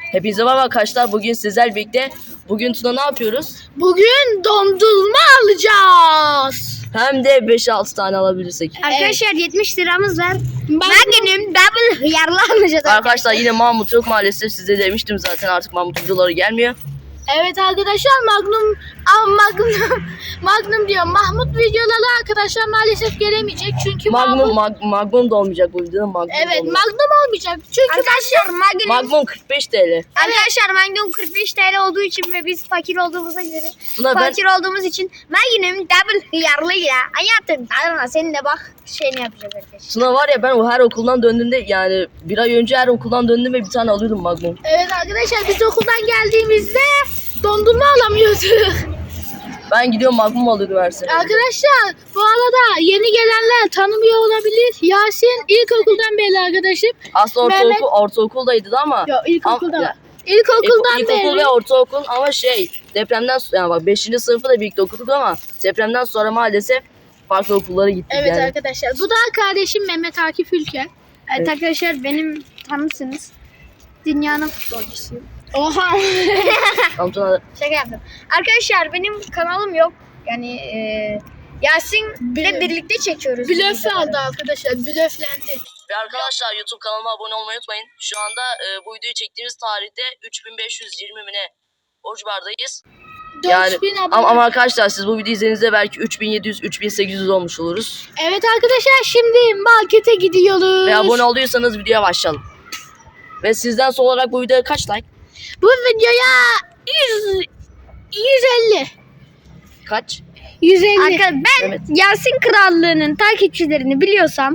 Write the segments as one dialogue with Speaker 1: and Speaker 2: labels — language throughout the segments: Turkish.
Speaker 1: Hepinize merhaba arkadaşlar. Bugün sizlerle birlikte. Bugün Tuna ne yapıyoruz?
Speaker 2: Bugün dondurma alacağız.
Speaker 1: Hem de 5-6 tane alabilirsek.
Speaker 3: Arkadaşlar 70 liramız var. Magnum double hıyarlı alacağız.
Speaker 1: Arkadaşlar yine Mahmut yok maalesef. Size demiştim zaten, artık Mahmut videoları gelmiyor.
Speaker 2: Evet arkadaşlar Magnum diyor. Mahmut videoları arkadaşlar maalesef gelemeyecek çünkü
Speaker 1: Magnum da olmayacak bu videoda.
Speaker 2: Evet, Magnum olmayacak çünkü
Speaker 3: Arkadaşlar
Speaker 1: Magnum 45 TL.
Speaker 3: Arkadaşlar Magnum 45 TL olduğu için ve biz fakir olduğumuza göre
Speaker 1: Tuna
Speaker 3: fakir olduğumuz için Magnum double hıyarlıyla hayatım tadına senin de bak şeyini yapacağız arkadaşlar.
Speaker 1: Tuna var ya, ben o her okuldan döndüğümde, yani bir ay önce her okuldan döndüğümde bir tane alıyordum Magnum.
Speaker 2: Evet arkadaşlar, biz okuldan geldiğimizde dondurma alamıyorduk.
Speaker 1: Ben gidiyorum Magnum alıyordum her sene.
Speaker 2: Arkadaşlar bu arada yeni gelenler tanımıyor olabilir. Yasin ilkokuldan beri arkadaşım.
Speaker 1: Aslında
Speaker 2: Mehmet-
Speaker 1: ortaokuldaydı ama.
Speaker 2: Yok, ilkokulda
Speaker 1: Ama-
Speaker 2: var. İlkokuldan
Speaker 1: İlkokul
Speaker 2: beri.
Speaker 1: ve ortaokul ama depremden sonra, yani bak 5. sınıfı da birlikte okuduk ama depremden sonra maalesef farklı okullara gittik
Speaker 2: Evet
Speaker 1: yani.
Speaker 2: arkadaşlar, bu da kardeşim Mehmet Akif Ülker.
Speaker 3: Evet arkadaşlar benim tanısınız. Dünyanın futbolcusuyum.
Speaker 2: Oha.
Speaker 1: Tamam, Tuna,
Speaker 3: Şaka yaptım. Arkadaşlar benim kanalım yok. Yani Yasin'le birlikte çekiyoruz.
Speaker 2: Blöf aldı arkadaşlar, blöflendi.
Speaker 1: ve arkadaşlar YouTube kanalıma abone olmayı unutmayın. Şu anda bu videoyu çektiğimiz tarihte 3520 mi ne borç bardayız. Yani
Speaker 2: 4000 abone.
Speaker 1: ama arkadaşlar siz bu videoyu izlediğinizde belki 3700-3800 olmuş oluruz.
Speaker 2: Evet arkadaşlar, şimdi markete gidiyoruz.
Speaker 1: Ve abone olduysanız videoya başlayalım. Ve sizden son olarak bu videoya kaç like?
Speaker 2: Bu videoya 150.
Speaker 1: Kaç?
Speaker 2: 150.
Speaker 3: Arkadaşlar ben
Speaker 1: Evet.
Speaker 3: Yasin Krallığı'nın takipçilerini biliyorsam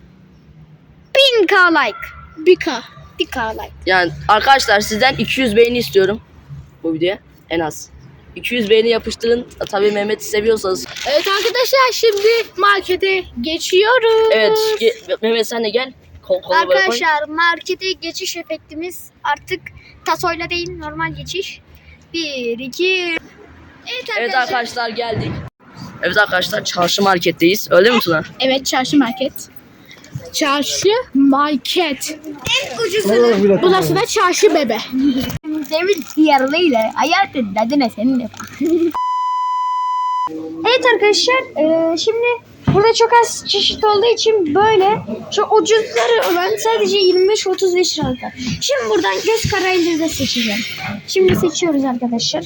Speaker 3: 1000k like.
Speaker 2: 1K.
Speaker 3: 1k like.
Speaker 1: Yani arkadaşlar sizden 200 beğeni istiyorum bu videoya en az. 200 beğeni yapıştırın. Tabii Mehmet'i seviyorsanız.
Speaker 2: Evet arkadaşlar, şimdi markete geçiyoruz.
Speaker 1: Evet Mehmet sen de gel. Kola böyle koy.
Speaker 3: Arkadaşlar markete geçiş efektimiz artık tasoyla değil normal geçiş. 1, 2.
Speaker 1: Evet arkadaşlar geldik. Evet arkadaşlar çarşı marketteyiz. Öyle mi Tuna?
Speaker 2: Evet, çarşı market. Çarşı market.
Speaker 3: En ucuzu.
Speaker 2: Burası da çarşı bebe.
Speaker 3: Demir hıyarlıyla hayatın tadına senin de bak. Evet arkadaşlar şimdi burada çok az çeşit olduğu için böyle şu ucuzları olan sadece 25-35 liralık. Şimdi buradan göz kararıyla da seçeceğim. Şimdi seçiyoruz arkadaşlar.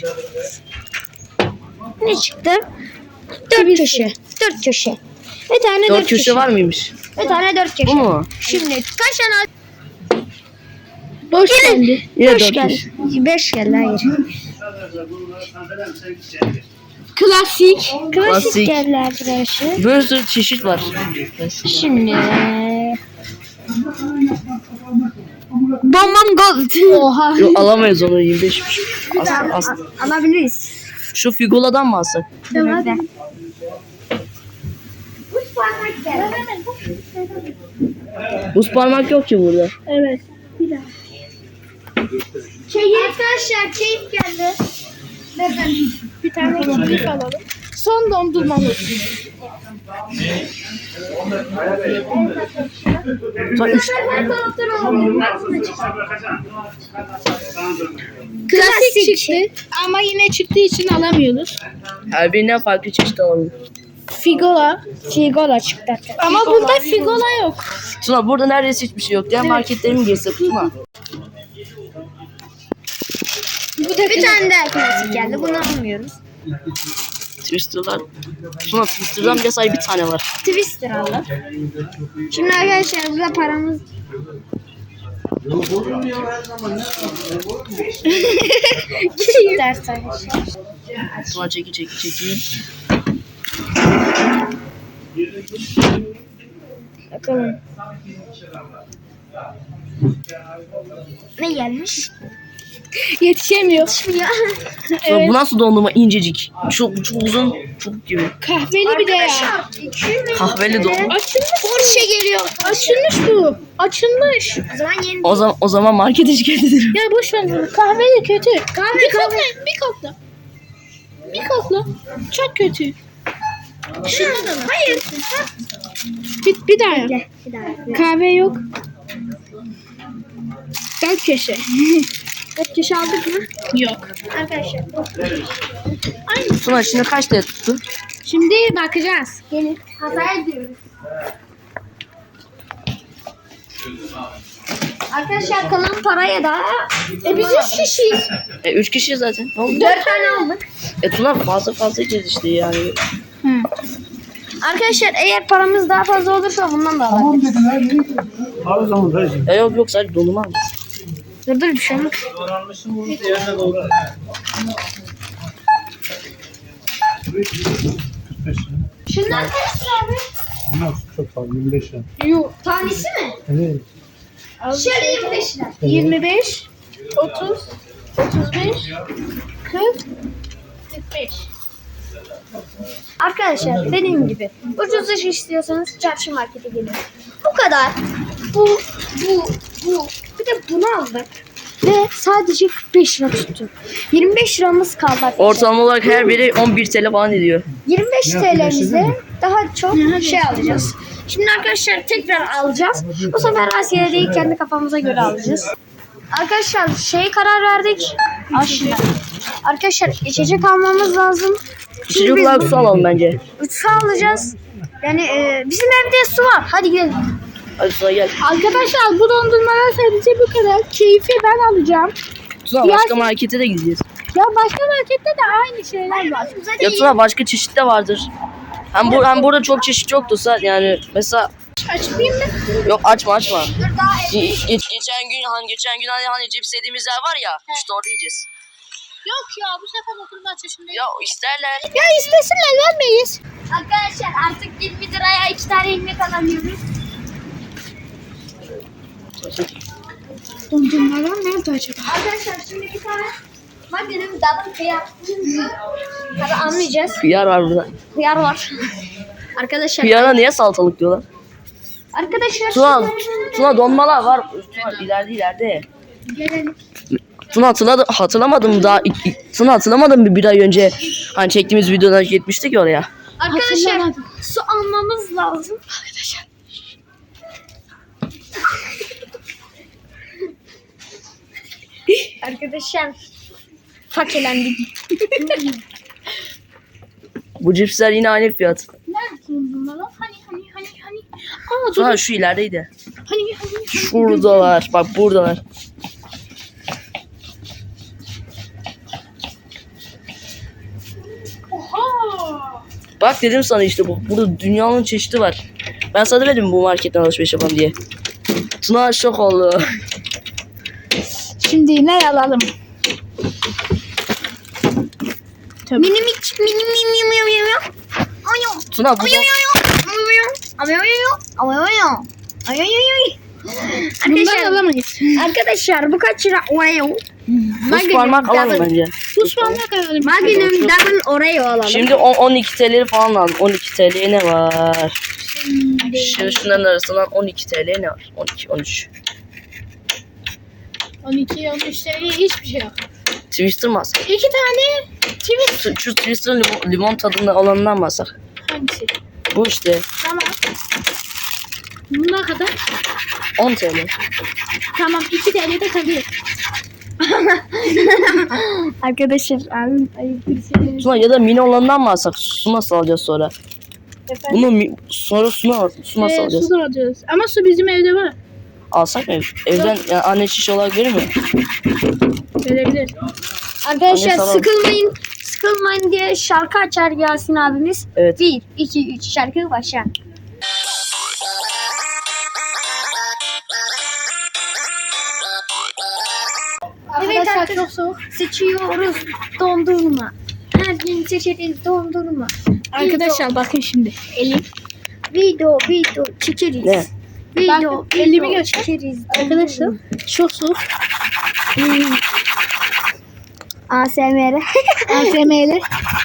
Speaker 3: Ne çıktı? 4 köşe. 4 köşe. Bir tane
Speaker 1: 4 köşe var mıymış?
Speaker 3: Bir tane 4 köşe.
Speaker 1: Bu mu?
Speaker 3: Şimdi kaç tane?
Speaker 2: Boş geldi.
Speaker 1: Yine
Speaker 3: Beş
Speaker 1: 4
Speaker 3: geldi.
Speaker 1: köşe.
Speaker 3: 5 geldi hayır.
Speaker 2: Klasik.
Speaker 3: Klasik geldi arkadaşlar.
Speaker 1: Böyle sürü çeşit var.
Speaker 3: Şimdi Bombom Gold.
Speaker 2: Oha.
Speaker 1: Yok alamayız onu, 25'miş. Aslında.
Speaker 3: Alabiliriz.
Speaker 1: Şu Figola'dan mı alsak?
Speaker 3: Tamam.
Speaker 1: Buz parmak yok ki burada.
Speaker 2: Evet.
Speaker 3: Arkadaşlar keyif geldi.
Speaker 2: Bir tane keklik alalım. Son dondurmamız. Klasik çıktı ama yine çıktığı için alamıyoruz.
Speaker 1: Her birinden farklı çeşit alalım.
Speaker 2: Figola.
Speaker 3: Figola çıktı.
Speaker 2: Ama burada figola yok.
Speaker 1: Tuna burada neredeyse hiçbir şey yok. Diğer marketlere mi girsek Tuna?
Speaker 3: Bir tane daha klasik geldi. Bunu almıyoruz.
Speaker 1: Twister'lar. Tuna Twister'dan bile sadece bir tane var.
Speaker 3: Twister aldık. Şimdi arkadaşlar burada paramız ders arkadaşlar.
Speaker 1: Tuna çeki.
Speaker 3: Bakalım. Ne gelmiş?
Speaker 2: Yetişemiyor.
Speaker 1: Tuna bu nasıl dondurma, incecik. Çok uzun çubuk gibi.
Speaker 2: Kahveli bir de ya.
Speaker 1: Kahveli dondurma.
Speaker 2: Açılmış.
Speaker 3: Porsche geliyor.
Speaker 2: Açılmış bu. Açılmış.
Speaker 3: O zaman yeni.
Speaker 1: O zaman markete şikayet ederim.
Speaker 2: Ya boş ver bunu. Kahveli kötü. Bir kokla. Bir kokla. Çok kötü.
Speaker 3: Şunda da mı? Hayır.
Speaker 2: Bir daha yap.
Speaker 3: Bir daha.
Speaker 2: Kahve yok. Dört köşe.
Speaker 3: Kaç kişi aldık mı?
Speaker 2: Yok.
Speaker 3: Arkadaşlar.
Speaker 1: Tuna şimdi kaç TL tuttu?
Speaker 2: Şimdi bakacağız.
Speaker 3: Gelin. Hata ediyoruz. Arkadaşlar kalan paraya da biz 3 kişiyiz.
Speaker 1: 3 kişi zaten. Ne oldu?
Speaker 3: 4 tane aldık.
Speaker 1: Tuna fazla yiyeceğiz işte yani.
Speaker 3: Arkadaşlar eğer paramız daha fazla olursa bundan da alabiliriz.
Speaker 4: Abi zaman dayıcım.
Speaker 1: Yok sadece dondurma mı?
Speaker 3: Dur bir şey yok.
Speaker 4: Doğranmışsın bunu diğerine doğru. 45 lira.
Speaker 3: Şunlar kaç lira abi?
Speaker 4: Bunlar çok fazla 25 lira.
Speaker 3: Yok. Tanesi mi?
Speaker 4: Evet.
Speaker 3: Şöyle 25 lira.
Speaker 2: 25, 30, 35, 40, 45.
Speaker 3: Arkadaşlar dediğim gibi ucuz iş istiyorsanız çarşı markete gelin. Bu kadar. Bu. Bir de bunu aldık. Ve sadece 45 lira tuttu. 25 liramız kaldı arkadaşlar.
Speaker 1: Ortalama olarak her biri 11 TL falan ediyor.
Speaker 3: 25
Speaker 4: Ya,
Speaker 3: TL'mize
Speaker 4: mi?
Speaker 3: daha çok şey alacağız. Şimdi arkadaşlar tekrar alacağız. Bu sefer Asya'ya değil kendi kafamıza göre alacağız. Arkadaşlar karar verdik. Aşırı. Arkadaşlar içecek almamız lazım.
Speaker 1: İçecek olarak su alalım bence.
Speaker 3: 3 su alacağız. Yani bizim evde su var. Hadi gidelim.
Speaker 1: Hadi Tuna gel.
Speaker 2: Arkadaşlar bu dondurmalar sadece bu kadar. Keyfi ben alacağım.
Speaker 1: Tuna başka markete de gideceğiz.
Speaker 2: Ya başka markette de aynı şeyler var.
Speaker 1: Ya Tuna başka çeşit de vardır. Hem burada çok çeşit yoktu yani mesela
Speaker 2: Açmayayım mı?
Speaker 1: yok açma. Geçen gün hani cips yediğimiz yer var ya işte orada yiyeceğiz.
Speaker 2: Yok ya bu sefer oturma çeşimde.
Speaker 1: Ya isterler.
Speaker 2: Ya istesinler vermeyiz.
Speaker 3: Arkadaşlar artık 20 liraya 2 tane ilmek alabiliyoruz.
Speaker 2: Dondurmalar nerede acaba?
Speaker 3: Arkadaşlar şimdi bir tane Magnum double kıyar. Tabi anlayacağız.
Speaker 1: Hıyar var burada.
Speaker 3: Hıyar var. Arkadaşlar.
Speaker 1: Hıyara niye salatalık diyorlar?
Speaker 3: Arkadaşlar.
Speaker 1: Tuna donmalar var. Tuna ileride.
Speaker 3: Gelelim.
Speaker 1: Tuna hatırlamadım daha. Tuna hatırlamadım bir ay önce. Hani çektiğimiz videodan gitmiştik ya oraya.
Speaker 3: Arkadaşlar
Speaker 2: Hatırlamadım.
Speaker 3: su almamız lazım. Arkadaşlar. Arkadaşlar fakirlendik.
Speaker 1: Bu cipsler yine aynı fiyat.
Speaker 2: Nerede dondurmalar? Hani. Aa dur.
Speaker 1: Tuna şu ilerideydi.
Speaker 2: Hani.
Speaker 1: Şuradalar. Bak buradalar.
Speaker 2: Oha.
Speaker 1: Bak dedim sana işte burada dünyanın çeşidi var. Ben sana demedim bu marketten alışveriş yapalım diye. Tuna şok oldu.
Speaker 2: Şimdi ne alalım?
Speaker 3: Mini.
Speaker 1: Tuna bu
Speaker 2: Bundan alamayız.
Speaker 3: Arkadaşlar bu kaç lira? Oreo.
Speaker 1: buz parmak alalım bence.
Speaker 2: Tuz parmak alalım.
Speaker 3: Magnum double Oreo alalım.
Speaker 1: Şimdi 12 TL'leri falan alalım. 12 TL'ye ne var? Şimdi şunların arasından 12 TL ne var? 12, 13.
Speaker 2: 12, 13 TL hiçbir şey yok.
Speaker 1: Twister mı alsak?
Speaker 2: 2 tane twist.
Speaker 1: Şu Twister'ın limon tadında olanından mı alsak?
Speaker 2: Hangisi?
Speaker 1: Bu işte
Speaker 2: Tamam. Bunlar kadar.
Speaker 1: 10 TL.
Speaker 2: Tamam 2 TL de kalıyor.
Speaker 3: Arkadaşlar abim ayıp bir şey.
Speaker 1: Tuna ya da mini olanından mı alsak? Su nasıl alacağız sonra? Bunu sonra su nasıl alacağız?
Speaker 2: Su da alacağız. Ama su bizim evde var.
Speaker 1: Alsak mı? Evden yani anne şiş olarak verir mi?
Speaker 2: Verebilir.
Speaker 3: Arkadaşlar
Speaker 1: Anne,
Speaker 3: sıkılmayın diye şarkı açar Yasin abimiz.
Speaker 1: Evet.
Speaker 3: 1, 2, 3 şarkı başla. Evet
Speaker 2: Arkadaşlar
Speaker 3: arkadaşlar
Speaker 2: çok soğuk.
Speaker 3: seçiyoruz dondurma. Her gün seçeriz dondurma.
Speaker 2: Arkadaşlar bakın şimdi. Elim.
Speaker 3: Video çekeriz.
Speaker 1: Ne?
Speaker 3: Video
Speaker 2: Bak, elimi göster.
Speaker 3: çekeriz.
Speaker 2: Arkadaşlar çok soğuk.
Speaker 3: ASMR.
Speaker 2: ASMR'li.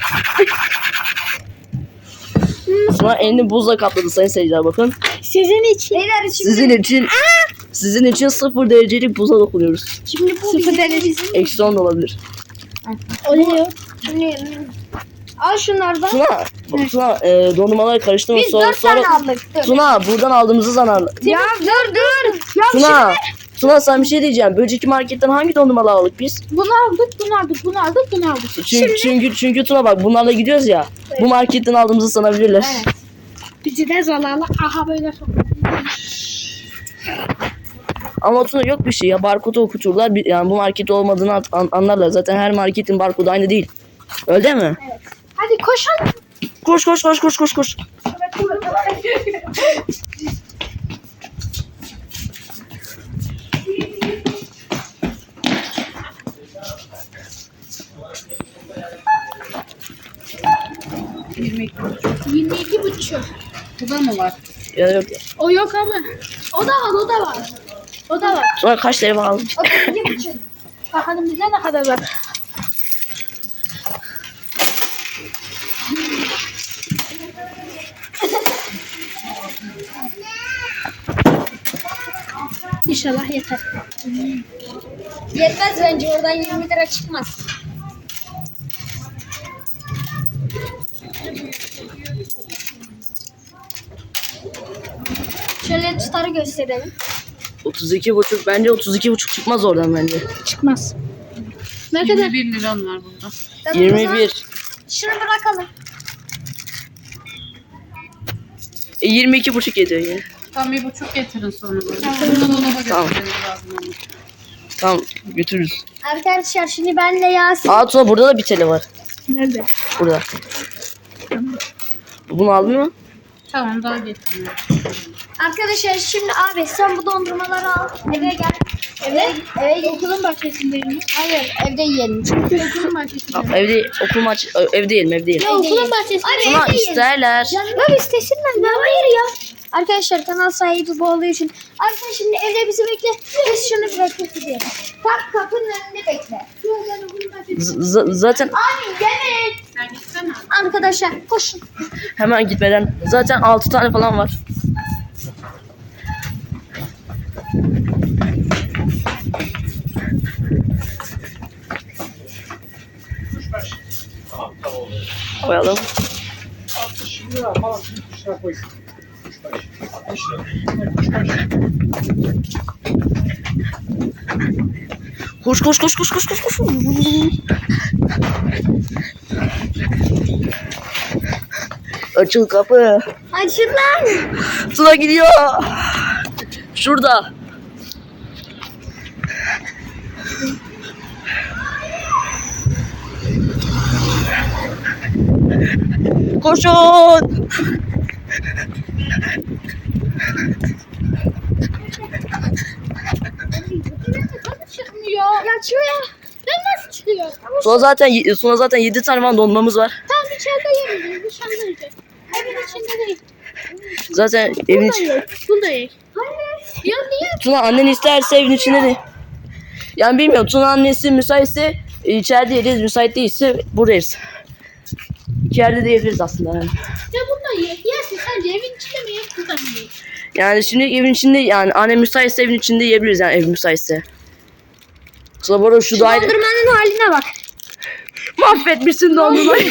Speaker 1: Tuna elini buzla kapladı sayın seyirciler bakın.
Speaker 2: Sizin için.
Speaker 3: Beyler şimdi
Speaker 1: Sizin için 0 derecelik buza dokunuyoruz.
Speaker 3: şimdi bu
Speaker 2: 0 derece.
Speaker 1: Eksi 10 da olabilir.
Speaker 2: Oluyor.
Speaker 3: Al şunlardan.
Speaker 1: Tuna dondurmaları karıştırma.
Speaker 3: Biz 4 tane aldık. Dur.
Speaker 1: Tuna buradan aldığımızı zanarlı.
Speaker 3: Ya dur. Ya
Speaker 1: Tuna Tuna sana bir şey diyeceğim. Önceki marketten hangi dondurmaları aldık biz?
Speaker 2: Bunu aldık.
Speaker 1: Çünkü Tuna bak bunlarla gidiyoruz ya. Bu marketten aldığımızı sanabilirler.
Speaker 2: Evet. Bizi de zararlı. Aha böyle
Speaker 1: Ama Tuna yok bir şey ya. Barkodu okuturlar. Yani bu market olmadığını anlarlar. Zaten her marketin barkodu aynı değil. Öyle mi?
Speaker 2: Hadi koşalım.
Speaker 1: Koş.
Speaker 2: Yirmi buçuk.
Speaker 5: Bu da mı var?
Speaker 1: Ya yok.
Speaker 2: O yok ama. O da var.
Speaker 1: Tuna kaç TL aldın?
Speaker 2: Bakalım bize ne kadar var. İnşallah yeter.
Speaker 3: Yetmez bence oradan 20 lira çıkmaz. Şöyle tutarı gösterelim.
Speaker 1: 32,5 bence 32,5 çıkmaz oradan bence.
Speaker 2: Çıkmaz. Ne kadar?
Speaker 5: 21 liram var burada.
Speaker 3: Tamam, o zaman
Speaker 1: 21.
Speaker 3: şunu bırakalım.
Speaker 1: 22,5 ediyor yine.
Speaker 5: Tam 1,5 getirin sonra bana. Bunu dolaba
Speaker 1: Tamam.
Speaker 5: götürmeniz lazım ama.
Speaker 1: Tamam götürürüz.
Speaker 3: Arkadaşlar şimdi benle Yasin.
Speaker 1: Aa Tuna burada da bir TL var.
Speaker 2: Nerede?
Speaker 1: Burada. Bunu aldın mı?
Speaker 5: Tamam daha getirin.
Speaker 3: Arkadaşlar şimdi abi sen bu dondurmaları al. Eve gel. Eve gel.
Speaker 2: Okulun bahçesindeyim.
Speaker 3: Hayır evde yiyelim.
Speaker 2: Çünkü okulun bahçesindeyim.
Speaker 1: Tamam, evde yiyelim.
Speaker 2: Ya okulun bahçesindeyim.
Speaker 1: Tuna isterler.
Speaker 3: Ya istesinler ya hayır ya. Arkadaşlar kanal sahibi bu olduğu için. Arkadaşlar şimdi evde bizi bekle. Biz şunu bırakıp gidelim. Tam kapının önünde bekle.
Speaker 1: Zaten
Speaker 3: Abi yemek.
Speaker 5: Sen gitsene.
Speaker 3: Arkadaşlar koşun.
Speaker 1: hemen gitmeden zaten 6 tane falan var. Koyalım.
Speaker 4: 60 lira falan bir şey koy. 60 lira.
Speaker 1: Koş. Açıl kapı.
Speaker 3: Açın lan.
Speaker 1: Tuna gidiyor. Şurada. Koşun.
Speaker 2: Çıkmıyor.
Speaker 3: Ya açıyor ya.
Speaker 2: Ben nasıl çıkıyor?
Speaker 1: Sonra zaten 7 tane falan dondurmamız var.
Speaker 2: Tamam dışarıda yeriz. Dışarıda yiyeceğiz. Evin içinde değil.
Speaker 1: Zaten evin içi.
Speaker 2: Bunda ye. Ya niye?
Speaker 1: Tuna annen isterse evin içinde de. Yani bilmiyorum Tuna annesi müsaitse içeride yeriz, müsait değilse buradayız. İki yerde de yiyebiliriz aslında yani.
Speaker 2: Ya bunda ye. Yersin sence evin içinde mi ye? Burada mı ye?
Speaker 1: Yani şimdi evin içinde yani annem müsaitse evin içinde yiyebiliriz yani ev müsaitse. Tuna bu arada şu daire...
Speaker 3: Dondurmanın haline bak.
Speaker 1: Mahvetmişsin dondurmayı.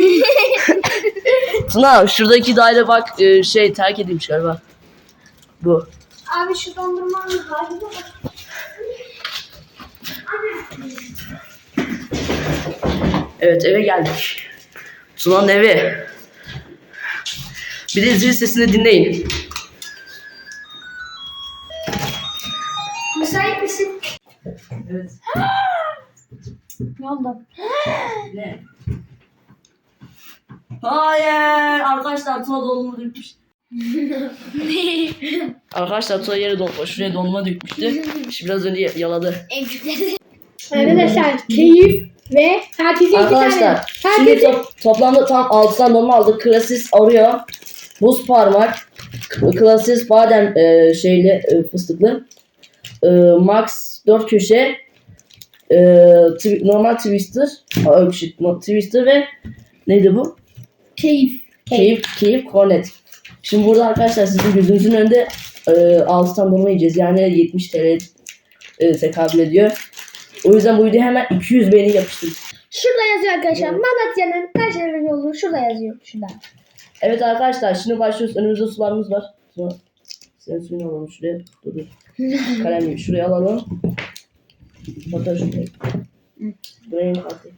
Speaker 1: Tuna şuradaki daire bak terk edilmiş galiba. Bu.
Speaker 3: Abi şu dondurmanın haline bak.
Speaker 1: Evet eve geldik. Tuna'nın evi. Bir de zil sesini dinleyin.
Speaker 3: Müsait misin?
Speaker 1: Evet.
Speaker 3: Ne oldu?
Speaker 1: Ne? Hayır. Arkadaşlar Tuna dondurma dökmüş. Arkadaşlar Tuna yere şuraya dondurma dökmüştü. Şimdi biraz önce yaladı.
Speaker 2: Arkadaşlar keyif ve herkese
Speaker 1: Arkadaşlar şimdi toplamda tam 6 tane dondurma aldık. Klasis Oreo, buz parmak, klasis badem fıstıklı, Max 4 köşe, normal Twister ve neydi bu? Keyif Cornet. Şimdi burada arkadaşlar sizin gözünüzün önünde 6 tane dondurma yiyeceğiz. Yani 70 TL tekabül ediyor. O yüzden bu videoya hemen 200 beğeni yapıştırın.
Speaker 3: Şurada yazıyor arkadaşlar. Malatya'nın Kayseri yolu şurada yazıyor. Şurada.
Speaker 1: Evet arkadaşlar şimdi başlıyoruz. Önümüzde sularımız var. Senin suyunu alalım şuraya. Dur. Kalemi şuraya alalım. Hatta şuraya. Buraya atayım.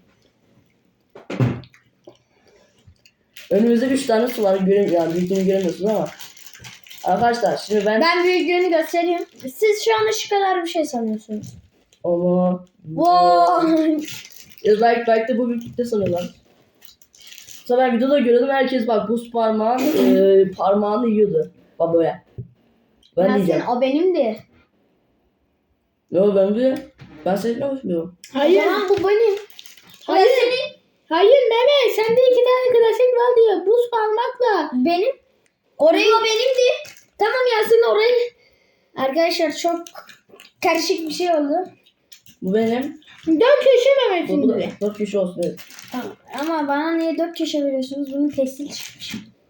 Speaker 1: Önümüzde 3 tane su var. Yani büyüklüğünü göremiyorsunuz ama. Arkadaşlar şimdi
Speaker 3: Ben büyüklüğünü göstereyim. Siz şu an şu kadar bir şey sanıyorsunuz.
Speaker 1: ama
Speaker 3: Wow.
Speaker 1: belki de bu büyüklükte sanıyorlar. Sonra ben videoda görüyordum herkes bak buz parmağını yiyordu. Bak böyle. Ben diyeceğim.
Speaker 3: O benimdi.
Speaker 1: Yo ben seninle hoşmuyorum.
Speaker 2: Hayır.
Speaker 3: Tamam, bu benim.
Speaker 2: Hayır. Hayır Mehmet sende 2 tane klasik var diyor. Buz parmakla.
Speaker 3: Benim. Orayı o benimdi. Tamam Yasin orayı. Arkadaşlar çok karışık bir şey oldu.
Speaker 1: Bu benim.
Speaker 2: 4 köşe Mehmet'in
Speaker 1: Bu da
Speaker 2: de.
Speaker 1: 4 kişi olsun evet.
Speaker 3: Tamam. Ama bana niye 4 köşe veriyorsunuz? Bunun tekstil çıkmış.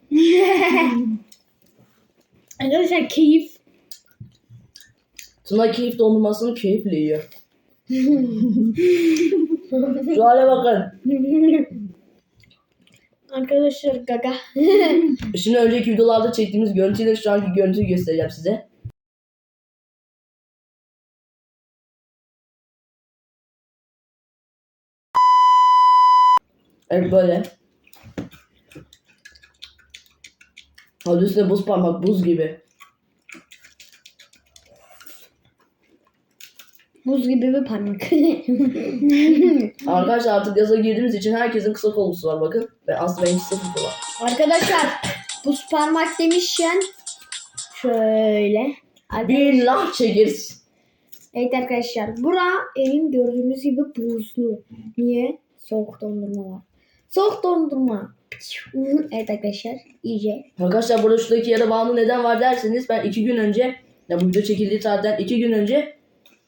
Speaker 2: Arkadaşlar keyif.
Speaker 1: Tuna keyif dondurmasını keyifle yiyor. Şu hale bakın.
Speaker 2: Arkadaşlar gaga.
Speaker 1: Şimdi önceki videolarda çektiğimiz görüntüyle şu anki görüntüyü göstereceğim size. Evet böyle. Hadi üstüne buz parmak buz gibi.
Speaker 3: Buz gibi bir parmak.
Speaker 1: Arkadaşlar artık yaza girdiğimiz için herkesin kısa kollusu var bakın. Ve aslında benim kısa kollu var.
Speaker 3: Arkadaşlar buz parmak demişken şöyle.
Speaker 1: Bir laf çekeriz.
Speaker 3: Evet arkadaşlar. Bura elim gördüğünüz gibi buzlu. Niye? Soğuk dondurma var. Soğuk dondurma. Evet arkadaşlar. İyice.
Speaker 1: Arkadaşlar burada şuradaki yara bandı neden var derseniz ben 2 gün önce ya bu video çekildiği tarihten 2 gün önce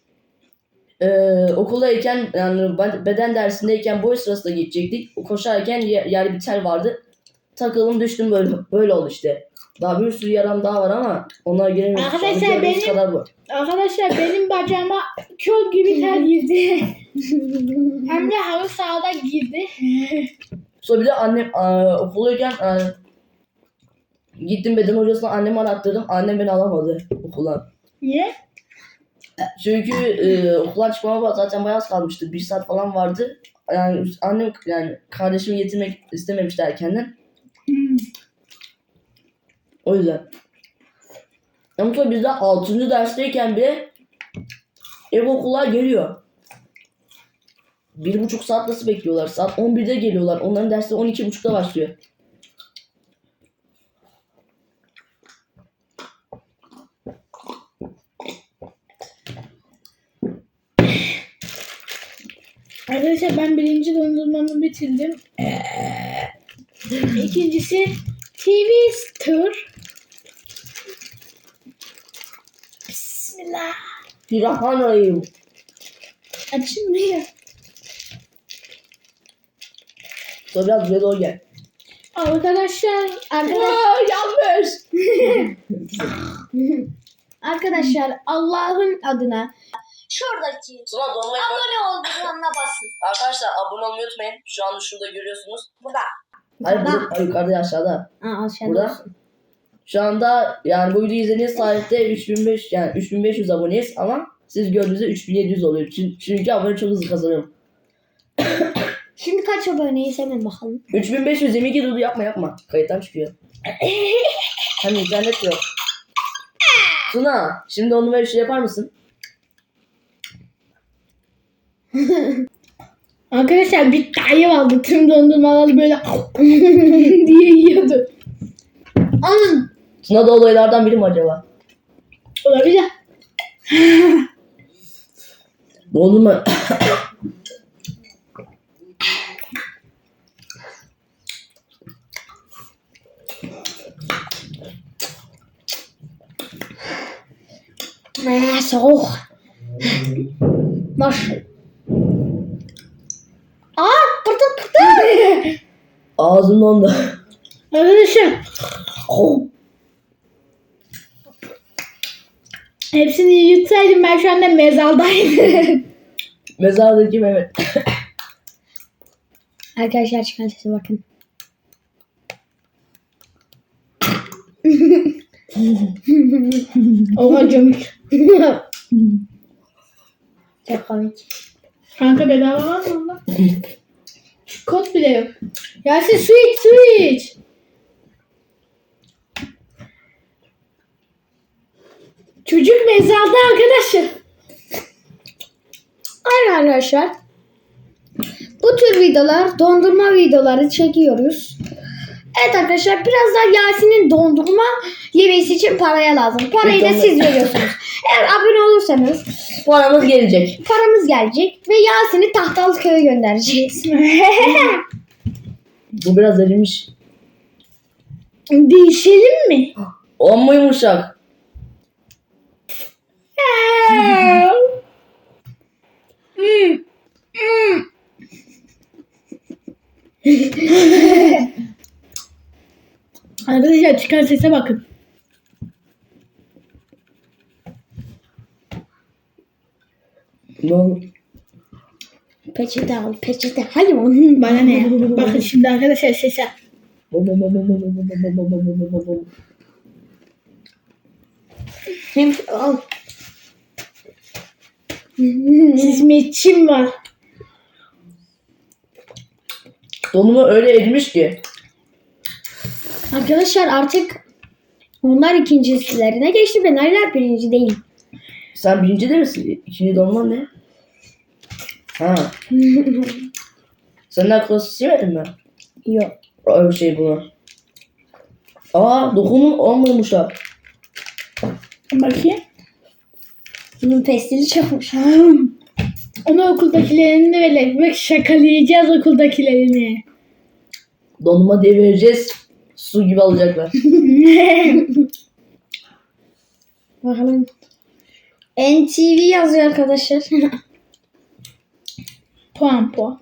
Speaker 1: okuldayken yani beden dersindeyken boy sırasında gidecektik. Koşarken yer bir tel vardı. Takıldım düştüm böyle oldu işte. Daha bir sürü yaram daha var ama onlara giremiyorum.
Speaker 2: Arkadaşlar benim-
Speaker 1: kadar bu.
Speaker 2: Arkadaşlar benim bacağıma kol gibi ter girdi. Hem de halı sahada girdi.
Speaker 1: Sonra bir de annem okuldayken gittim beden hocasına annemi arattırdım. Annem beni alamadı okuldan.
Speaker 2: Niye?
Speaker 1: Çünkü okuldan çıkmama zaten bayağı az kalmıştı. 1 saat falan vardı. Yani annem yani kardeşimi getirmek istememişti erkenden. O yüzden. Ama sonra biz de 6. dersteyken bile ev okullar geliyor. 1,5 saat nasıl bekliyorlar? Saat 11'de geliyorlar. Onların dersleri 12.30'da başlıyor.
Speaker 2: Arkadaşlar ben birinci dondurmamı bitirdim. İkincisi TV Star. Bismillah.
Speaker 1: Pirahanayım.
Speaker 2: Açılmıyor.
Speaker 1: Sonra biraz buraya doğru gel.
Speaker 2: Arkadaşlar
Speaker 1: Yanlış.
Speaker 3: Arkadaşlar Allah'ın adına şuradaki
Speaker 1: Sonra dolmayı
Speaker 3: abone ol butonuna basın.
Speaker 1: Arkadaşlar abone olmayı unutmayın. Şu anda şurada görüyorsunuz.
Speaker 3: Burada.
Speaker 1: Hayır,
Speaker 3: Burada.
Speaker 1: burada, yukarıda aşağıda.
Speaker 3: Aşağıda
Speaker 1: Burada.
Speaker 3: olsun.
Speaker 1: Şu anda yani bu videoyu izlediğiniz tarihte 3500 aboneyiz ama siz gördüğünüzde 3700 oluyor. Çünkü abone çok hızlı kazanıyorum.
Speaker 3: Şimdi kaç aboneyiz hemen bakalım.
Speaker 1: 3522 dur yapma. Kayıttan çıkıyor. Hem internet yok. Tuna şimdi onu böyle şey yapar mısın?
Speaker 2: Arkadaşlar bir tane aldı. Tüm dondurmaları böyle diye yiyordu.
Speaker 3: Alın.
Speaker 1: Tuna da olaylardan biri mi acaba?
Speaker 2: Olabilir.
Speaker 1: Dondurma.
Speaker 3: Soğuk. Boş. Pırtı.
Speaker 1: Ağzım dondu.
Speaker 2: Arkadaşlar hepsini yutsaydım ben şu anda mezardaydım.
Speaker 1: Mezardaki Mehmet.
Speaker 3: Arkadaşlar çıkan sese bakın.
Speaker 2: Oha gömük.
Speaker 3: Çok komik.
Speaker 2: Kanka bedava var mı onda? Kod bile yok. Yasin su iç su iç. Çocuk mezarda arkadaşlar.
Speaker 3: Aynen arkadaşlar. Bu tür videolar, dondurma videoları çekiyoruz. Evet arkadaşlar, biraz daha Yasin'in dondurma yemesi için paraya lazım. Parayı da siz veriyorsunuz. Eğer abone olursanız
Speaker 1: Paramız gelecek.
Speaker 3: paramız gelecek ve Yasin'i Tahtalıköy'e göndereceğiz.
Speaker 1: Bu biraz erimiş.
Speaker 2: Değişelim mi?
Speaker 1: Amma yumuşak.
Speaker 2: Arkadaşlar çıkan sese bakın.
Speaker 1: Ne oldu?
Speaker 3: Peçete al, peçete. Hayır.
Speaker 2: Bana ne ya? Bakın şimdi arkadaşlar sese.
Speaker 3: Hem al.
Speaker 2: Hizmetçim var.
Speaker 1: Donumu öyle erimiş ki.
Speaker 3: Arkadaşlar artık onlar ikincilerine geçti. Ben hala birinci değilim.
Speaker 1: Sen birinci de misin? İkinci dolman ne? Ha. Senden klasik yemedin mi?
Speaker 3: Yok.
Speaker 1: Öyle bir şey bunu. Aa dokumun olmamış ha.
Speaker 2: Bakayım.
Speaker 3: Bunun pestili çokmuş.
Speaker 2: Onu okuldakilerini de verelim. Bak şakalayacağız okuldakilerini.
Speaker 1: Donuma diye vereceğiz. Su gibi alacaklar.
Speaker 3: Bakalım. NTV yazıyor arkadaşlar.
Speaker 2: Puan puan.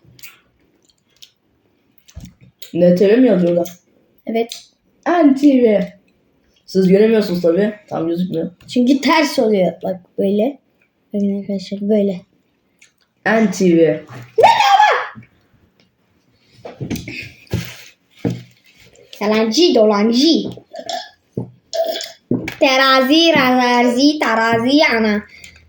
Speaker 1: NTV mi yazıyorlar?
Speaker 3: Evet.
Speaker 1: NTV. Siz göremiyorsunuz tabii. Tam gözükmüyor.
Speaker 3: Çünkü ters oluyor. Bak böyle. Bakın arkadaşlar böyle.
Speaker 1: NTV.
Speaker 3: Yalancı dolancı. Terazi, razarzi, tarazi, ana.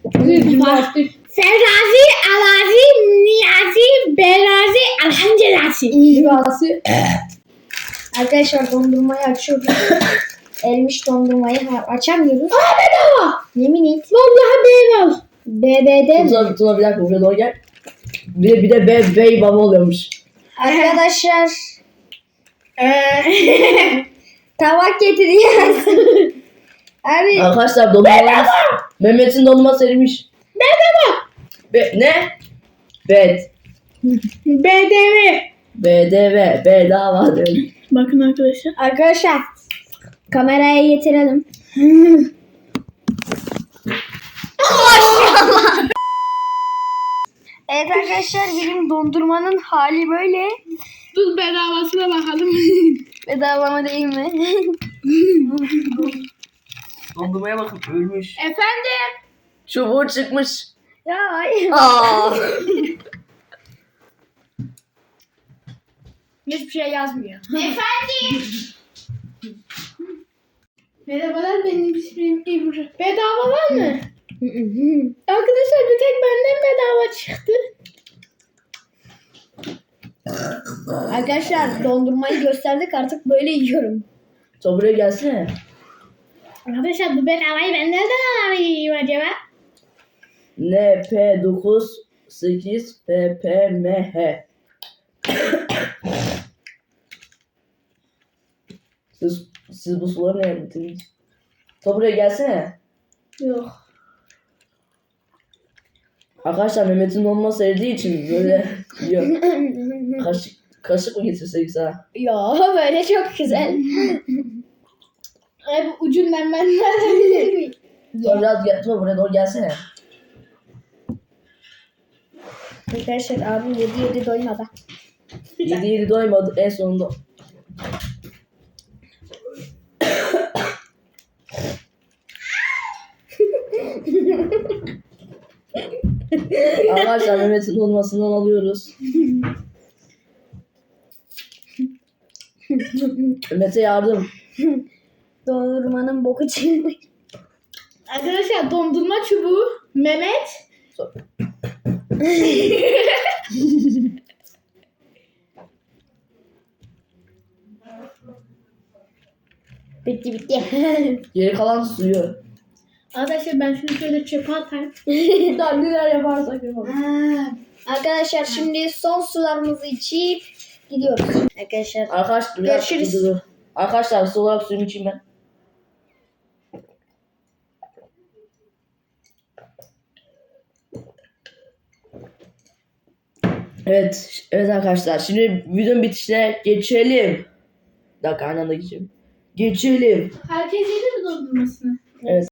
Speaker 2: Serrazi, alazi, niyazi, berazi, alhamdülillah.
Speaker 3: Arkadaşlar dondurmayı açıyoruz. Elmiş dondurmayı açamıyoruz.
Speaker 2: Bedava.
Speaker 3: Yemin et.
Speaker 2: Vallahi bedava.
Speaker 3: BB'de
Speaker 1: Tuna bir dakika buraya doğru gel. Bir de bey baba oluyormuş.
Speaker 3: arkadaşlar tabak getiriyoruz. Abi
Speaker 1: Arkadaşlar dondurmalarımız. Mehmet'in dondurması erimiş. Ne? Bed.
Speaker 2: BDV.
Speaker 1: BDV. Bedava dedim.
Speaker 2: Bakın arkadaşlar.
Speaker 3: arkadaşlar kameraya getirelim. Evet arkadaşlar benim dondurmanın hali böyle.
Speaker 2: Dur bedavasına bakalım.
Speaker 3: Bedava mı değil mi?
Speaker 1: Dondurmaya bakın ölmüş.
Speaker 2: Efendim.
Speaker 1: Çubuğu çıkmış.
Speaker 3: Ya hayır.
Speaker 1: Aa.
Speaker 2: Hiçbir şey yazmıyor. Efendim. Merhabalar benim ismim İbrahim. Bedava var mı? Arkadaşlar bir tek benden bedava çıktı.
Speaker 3: Arkadaşlar dondurmayı gösterdik artık böyle yiyorum.
Speaker 1: Sen buraya gelsene.
Speaker 2: Arkadaşlar bu bedavayı ben nereden alayım acaba?
Speaker 1: NP9 8 PPMH. Siz bu suları nereye getirdiniz? Sen buraya gelsene.
Speaker 2: Yok.
Speaker 1: Arkadaşlar Mehmet'in dondurma sevdiği için böyle yiyor. Kaşık mı getirsek sana?
Speaker 3: Ya böyle çok güzel.
Speaker 2: Ay bu ucundan ben nereden bileyim?
Speaker 1: Sonra biraz sonra buraya doğru gelsene.
Speaker 3: Arkadaşlar abim yedi doymadı.
Speaker 1: Yedi doymadı en sonunda. Arkadaşlar Mehmet'in dondurmasından alıyoruz. Mehmet'e yardım.
Speaker 3: Dondurmanın boku çıkmış.
Speaker 2: Arkadaşlar dondurma çubuğu Mehmet.
Speaker 3: Bitti.
Speaker 1: Geri kalan suyu.
Speaker 2: Arkadaşlar ben şunu şöyle çöpe atayım.
Speaker 1: Daha neler yaparsak yapalım.
Speaker 3: Arkadaşlar şimdi son sularımızı içip gidiyoruz. Arkadaşlar
Speaker 1: Arkadaşlar
Speaker 3: Görüşürüz.
Speaker 1: dur. Arkadaşlar su olarak suyumu içeyim ben. Evet arkadaşlar şimdi videonun bitişine geçelim. Bir dakika aynı anda geçelim. Geçelim.
Speaker 2: Herkes yedi mi dondurmasını?
Speaker 1: Evet.